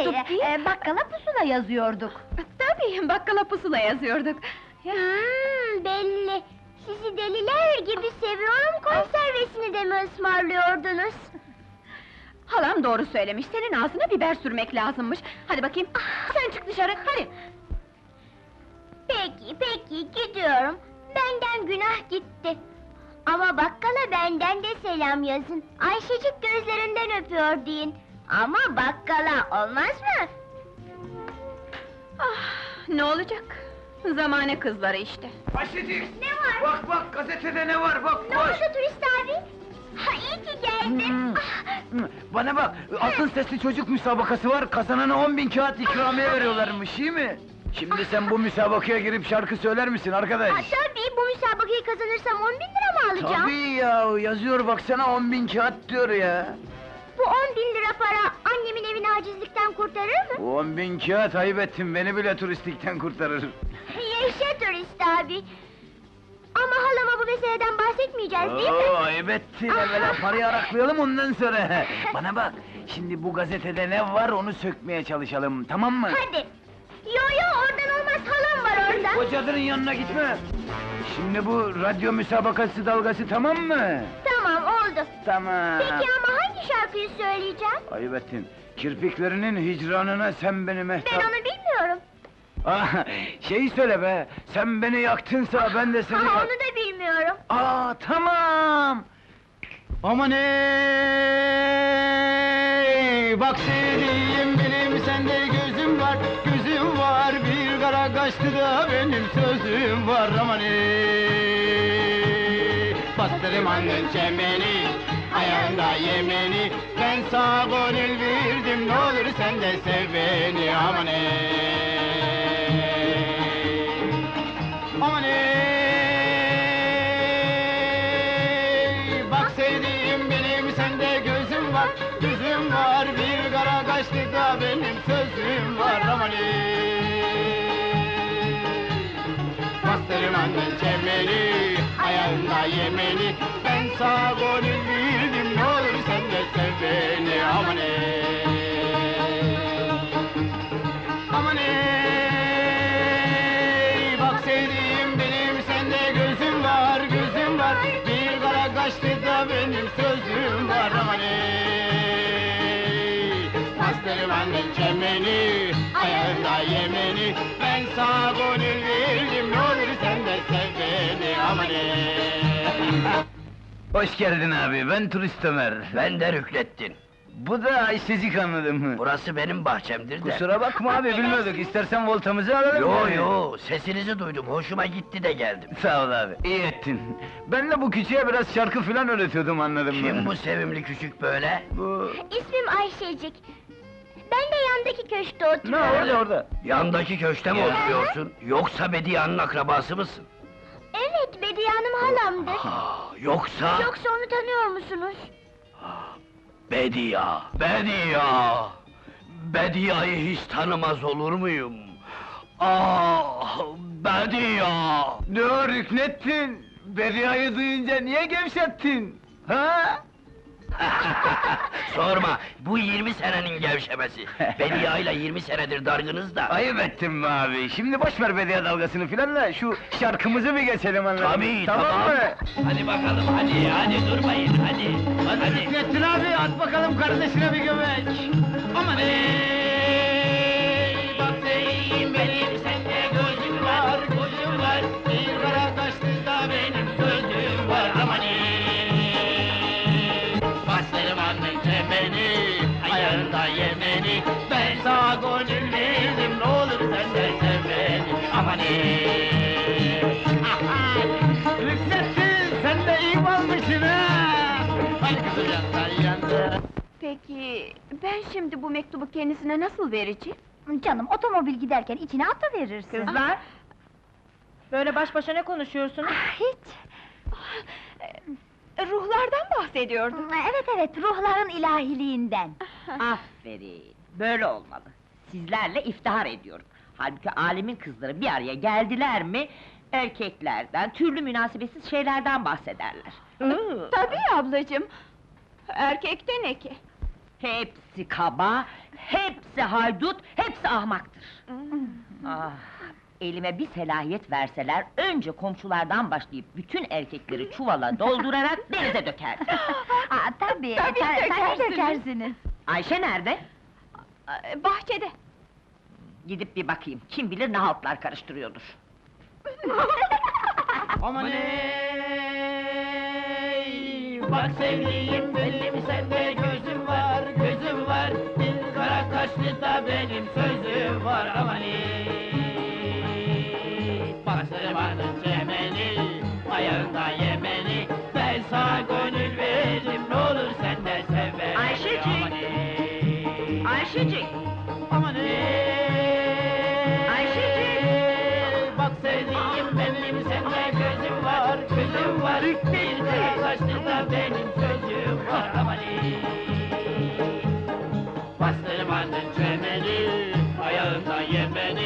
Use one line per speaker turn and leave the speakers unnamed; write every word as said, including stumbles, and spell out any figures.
yazıyorduk değil?
e, bakkala pusula yazıyorduk.
Tabii, bakkala pusula yazıyorduk. Ya,
Hmm, belli. Sizi deliler gibi seviyorum konservesini de mi ısmarlıyordunuz?
halam doğru söylemiş, senin ağzına biber sürmek lazımmış. Hadi bakayım, sen çık dışarı, hadi!
Peki, peki, gidiyorum. Benden günah gitti. Ama bakkala benden de selam yazın. Ayşecik gözlerinden öpüyor deyin. Ama bakkala olmaz mı?
Ah, ne olacak? Zamane kızları işte.
Ayşecik!
Ne var?
Bak bak, gazetede ne var, bak,
Ne
koş!
oldu turist abi? Ha, iyi ki geldin.
Hmm.
Ah,
Hı, Bana bak, altın sesli çocuk müsabakası var, kazanana on bin kağıt ikramiye veriyorlarmış, iyi mi? Şimdi sen bu müsabakaya girip şarkı söyler misin arkadaş?
ha, tabii, bu müsabakayı kazanırsam on bin lira mı alacağım?
Tabii ya, yazıyor baksana, on bin kağıt diyor ya!
Bu on bin lira para annemin evini acizlikten kurtarır mı?
Bu on bin kağıt ayıp ettin, beni bile turistikten kurtarır.
Yaşa turist abi! Ama halama bu meseleden bahsetmeyeceğiz değil mi?
Oo, ayıp ettin, evvela parayı araklayalım ondan sonra! Bana bak, şimdi bu gazetede ne var onu sökmeye çalışalım, tamam mı?
Hadi! Yo yo, oradan olmaz, halam var orada!
O cadının yanına gitme! Şimdi bu radyo müsabakası dalgası tamam mı?
Tamam, oldu!
Tamam!
Peki ama hangi şarkıyı söyleyeceğim?
Ayıp ettin, kirpiklerinin hicranına sen beni
Ben
mehtap...
onu bilmiyorum!
Ah, şeyi söyle be, sen beni yaktınsa ben de seni
Ha,
yak...
onu da bilmiyorum!
Aa, tamam! Aman ey! Bak sevdiğim benim, sende gözüm var, gözüm var. Bir kara kaçtı da benim sözüm var, aman ey! Bastırım annen çemeni, ayağında yemeni. Ben sana gönül verdim, ne olur sen de sev beni, aman ey! Aman ey! Bak sevdiğim benim, sende gözüm var, gözüm var. Bir kara kaçtı da benim sözüm var, aman ey! Bastırım annen çemeni, ayağında yemeni. Ben sana gönül verdim, ne olur sen de sev beni, aman ey! Aman ey! Bak sevdiğim benim, sende gözüm var, gözüm var. Bir kara kaçtı da benim sözüm var, aman ey! Bastırım annen çemeni, ayağında yemeni. Ben sana gönül verdim, ne olur sen de sev beni, aman ey! Hoş geldin abi, ben turist Ömer.
Ben de Rüknettin.
Bu da Ayşecik, anladın mı?
Burası benim bahçemdir de.
Kusura bakma abi, bilmiyorduk. İstersen voltamızı alalım.
Yo
yani.
yo, sesinizi duydum, hoşuma gitti de geldim.
Sağ ol abi, iyi ettin. Ben de bu küçüğe biraz şarkı filan öğretiyordum, anladın mı?
Kim bu sevimli küçük böyle?
Bu...
İsmim Ayşecik. Ben de yandaki köşkte
Ne
oturuyorum.
orada orada?
Yandaki köşte mi
Ya.
oturuyorsun? Yoksa Bediye'nin akrabası mısın?
Evet, Bediye Hanım halamdır.
Ha, yoksa...
Yoksa onu tanıyor musunuz?
Bediye, Bediye! Bediye'yi hiç tanımaz olur muyum? Ah, Bediye!
Ne o Rüknettin? Bediye'yi duyunca niye gevşettin? Ha?
Sorma, bu yirmi senenin gevşemesi. Bediye ile yirmi senedir dargınız da.
Ayıp ettin be abi, şimdi boş ver Bediye dalgasını filan da şu şarkımızı bir geçelim, anladın mı?
Tabii,
tamam
tamam.
mı?
Hadi bakalım, hadi, hadi durmayın, hadi.
Hadi Rüknettin abi, at bakalım kardeşine bir göbek! Aman ey! Bak
Beyim benim, sende gözüm var, gözüm var.
bir kara kaçtı da benim sözüm var, aman ey!
Bastırım annen çemeni,
Ayağında yemeni, ben sana gönül verdim, ne olur sen de sev beni, aman ey! Rüknettin, sen de iyi balmışsın ha! Hadi kızım yandan yandan!
Peki, ben şimdi bu mektubu kendisine nasıl vereceğim?
Canım, otomobil giderken içine atıverirsin.
Kızlar! Böyle baş başa ne konuşuyorsunuz?
Ah, hiç!
Ee, Ruhlardan bahsediyordum.
Evet evet, ruhların ilahiliğinden.
Aferin! Böyle olmalı. Sizlerle iftihar ediyorum. Halbuki alemin kızları bir araya geldiler mi... ...erkeklerden, türlü münasebetsiz şeylerden bahsederler.
Tabii ablacığım! Erkekte ne ki?
Hepsi kaba, hepsi haydut, hepsi ahmaktır. Ah, elime bir selahiyet verseler, önce komşulardan başlayıp bütün erkekleri çuvala doldurarak denize dökerdim.
Aa, tabii,
Tabii
ta- tabii
dökersiniz.
dökersiniz.
Ayşe nerede?
Ee, Bahçede.
Gidip bir bakayım, kim bilir ne haltlar karıştırıyordur.
Aman ey, bak sevdiğim benim sende gözüm var, gözüm var. Bir kara kaşlı da benim sözüm var aman ey. Bastırmanın çemeni, ayağında yemeni. Ben sana gönül veririm, ne olur sen de sev beni.
Ayşecik!
Aman ey.
Ayşecik!
Aman ey.
Ayşecik!
Bak sevdiğim benim sende gözüm var, gözüm var. Bir kara kaşlı da benim sözüm var aman ey. Bastırmanın çemeni, ayağında yemeni.